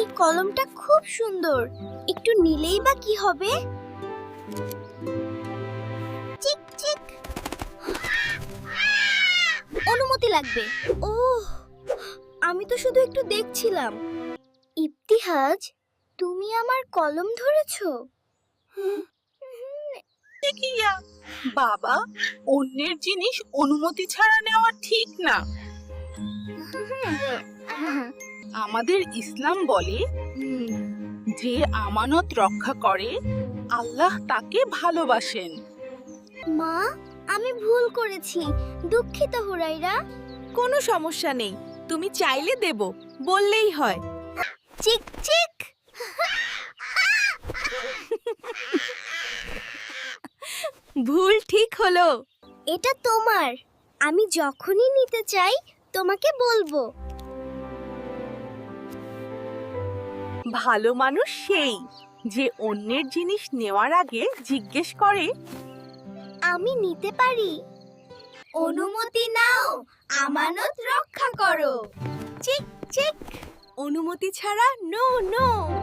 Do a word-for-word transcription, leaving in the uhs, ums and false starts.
কলমটা খুব সুন্দর, একটু নিলেই বা কি হবে? চিক চিক। অনুমতি লাগবে। ওহ, আমি তো শুধু একটু দেখছিলাম। ইবতিহাজ, তুমি আমার কলম ধরেছো? কিয়া বাবা, অন্যের জিনিস অনুমতি ছাড়া নেওয়া ঠিক না। আমাদের ইসলাম বলে, যে আমানত রক্ষা করে আল্লাহ তাকে ভালোবাসেন। মা, আমি ভুল করেছি, দুঃখিত হুরাইরা। কোনো সমস্যা নেই, তুমি চাইলে দেব, বললেই হয়। চিক চিক। ভুল ঠিক হলো। এটা তোমার, আমি যখনই নিতে চাই তোমাকে বলবো। ভালো মানুষ সেই যে অন্যের জিনিস নেওয়ার আগে জিজ্ঞেস করে। আমি নিতে পারি? অনুমতি নাও, আমানত রক্ষা করো। চিক চিক। অনুমতি ছাড়া নো নো।